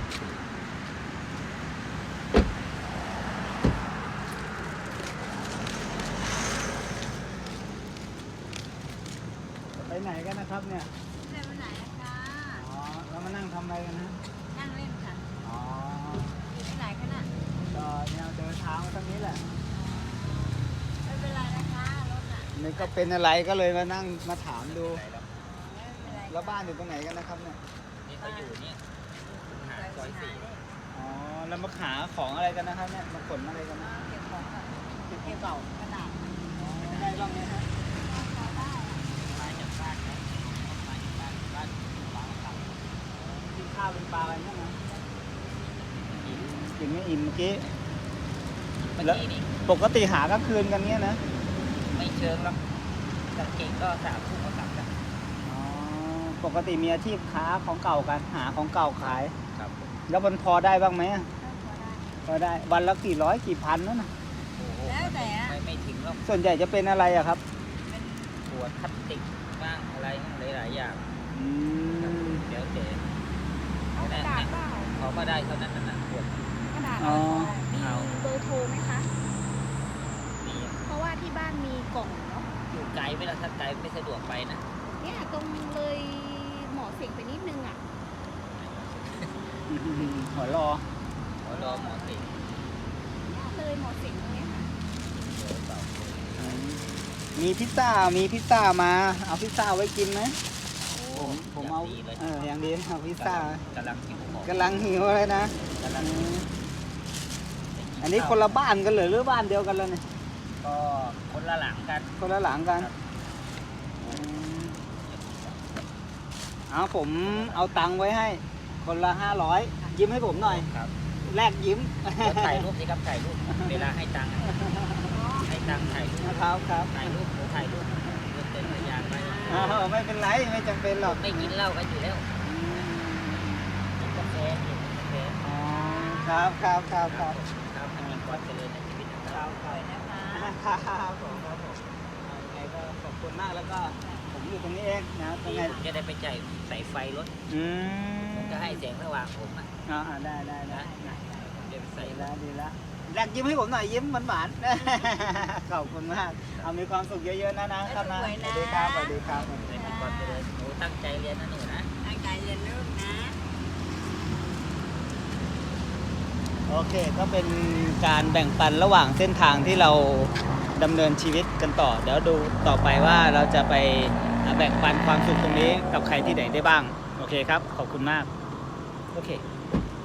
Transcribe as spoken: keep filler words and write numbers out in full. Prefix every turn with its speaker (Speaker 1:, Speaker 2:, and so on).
Speaker 1: ไปไหนกันนะครับเนี่ย
Speaker 2: เดินไปไหนอะคะ
Speaker 1: อ๋อแล้วมานั่งทำอะไรกันนะ
Speaker 2: นั่งเล่นค่ะ
Speaker 1: อ๋อ
Speaker 2: อยู่ที่ไหนคะน่ะ
Speaker 1: ก็เนี่ยเดินเท้ามาตรงนี้แหละ
Speaker 2: ไม่เป็นไรนะคะรถน่ะ
Speaker 1: นี่ก็เป็นอะไรก็เลยมานั่งมาถามดู
Speaker 2: ไม่เป็นไร
Speaker 1: แล้วบ้านอยู่ตรงไหนกันนะครับเนี่ย
Speaker 3: นี่เขาอยู่นี่หาซอยสี่
Speaker 1: อ๋อ แล้วมาหาของอะไรกันนะครับเนี่ย มาขนอะไรกันนะ
Speaker 2: เก็บของก่อน
Speaker 1: เก็บของเก่าก
Speaker 2: ระดาษ
Speaker 1: อ๋อได้บ้างไหมฮะ
Speaker 2: พอได้อะ
Speaker 3: มาจากบ้านไหมมาจากบ้านบ้านบางค
Speaker 1: กินข้าวเป็นปลาอะไรบ้างนะ
Speaker 3: ำอีก
Speaker 1: กินไม่อิ่มเมื่อกี้
Speaker 3: เมื่อกี้นี่
Speaker 1: ปกติหากลางคืนกันเนี้ยนะ
Speaker 3: ไม่เชิงหรอกกางเกงก็สามทุ่มก็กลับกัน
Speaker 1: อ๋อ ปกติมีอาชีพค้าของเก่ากัน หาของเก่าขาย
Speaker 3: ครับผม
Speaker 1: แล้วมันพอได้บ้างไหมอะ
Speaker 2: ก็พอได้
Speaker 1: พอได้ วันละกี่ร้อยกี่พันนั่นนะ
Speaker 3: โอ้โห
Speaker 2: แล้วแต่อะ
Speaker 3: ไม่ไม่ถึงหรอก
Speaker 1: ส่วนใหญ่จะเป็นอะไรอะครับ
Speaker 2: เป็น
Speaker 3: ขวดพลาสติกบ้างอะไรหลายๆอย่าง
Speaker 1: อืม
Speaker 3: เดี๋ยวเดี๋ยว
Speaker 4: เอากระดาษเปล่า
Speaker 3: เขาก็ได้เท่านั้นน่ะขวด
Speaker 4: กระดาษ
Speaker 1: อ๋อ
Speaker 4: มี
Speaker 3: เอา
Speaker 4: เบอร์โทรไหมคะ
Speaker 3: มี
Speaker 4: เพราะว่าที่บ้านมีกล่องเนาะ
Speaker 3: อยู่ไกลไหมล่ะถ้าไกลไม่สะดวกไปนะ
Speaker 4: เนี่ยตรงเลยหมอเสงไปนิดนึงอ่ะ
Speaker 1: หัวรอ
Speaker 3: ขอรอหมอสิ
Speaker 4: เนี่ยเลยหมอเสงตรงเนี้ยค่ะ
Speaker 3: เดี๋ยวเปล่า
Speaker 1: มีพิซซ่า มีพิซซ่ามา เอาพิซซ่าไว้กินไหม
Speaker 3: โอ้
Speaker 1: ผมผมเอา
Speaker 3: ย่งดีเลย
Speaker 1: เอออย่างดีเอาพิซซ่าก
Speaker 3: ำลังหิวของ
Speaker 1: กำลังหิวเลยนะ
Speaker 3: กำลัง
Speaker 1: อืมอันนี้คนละบ้านกันเหรอหรือบ้านเดียวกันเลยเนี่ย
Speaker 3: ก็คนละหลังกัน
Speaker 1: คนละหลังกัน
Speaker 3: ครับ
Speaker 1: อืมเอาผมเอาตังค์ไว้ให้ คนละห้าร้อยยิ้มให้ผมหน่อย
Speaker 3: ครับ
Speaker 1: แลกยิ้ม
Speaker 3: เดี๋ยวถ่ายรูปสิครับถ่ายรูปเวลาให้ตังค์อะให้ตังค์ถ่ายรูป
Speaker 1: นะครับครับ
Speaker 3: ถ่ายรูปหรือถ่ายรูปเดินเต้นระยางไป
Speaker 1: อ้าวไม่เป็นไรไม่จำเป็นหรอก
Speaker 3: ไม่กินเหล้ากันอยู่แล้ว
Speaker 1: อืม
Speaker 3: กินกาแฟกินกาแฟ
Speaker 1: อ๋อครับครับครับครับ
Speaker 3: ครับให้มีความเจริญในชีวิตนะครับ
Speaker 2: สวยนะคะ
Speaker 1: ครับผมครับผมเอายังไงก็ขอบคุณมากแล้วก็ผมอยู่ตรงนี้เองนะตรงไหน
Speaker 3: จะได้ไปจ่ายใส่ไฟรถ
Speaker 1: อืม
Speaker 3: ผมจะให้แสงสว่างผมอ่ะ
Speaker 1: อ่าได้ได้ได้
Speaker 3: ผมจะไปใส่
Speaker 1: ดี
Speaker 3: ร
Speaker 1: แล้ว
Speaker 3: ถ
Speaker 1: ดีแล้วแรกยิ้มให้ผมหน่อยยิ้มหวานๆ ขอบคุณมากเอามีความสุขเยอะๆนะนะครับนะสวัสดีครับสวัสดีครับ
Speaker 3: ให้มีความเจริญหนูตั้งใจเรียนนะหนูนะ
Speaker 2: ตั้งใจเรียนลูกนะ
Speaker 1: โอเคก็เป็นการแบ่งปันระหว่างเส้นทางที่เราดำเนินชีวิตกันต่อ เดี๋ยวดูต่อไปว่าเราจะไปแบ่งปันความสุขตรงนี้กับใครที่ไหนได้บ้างโอเคครับขอบคุณมากโอเค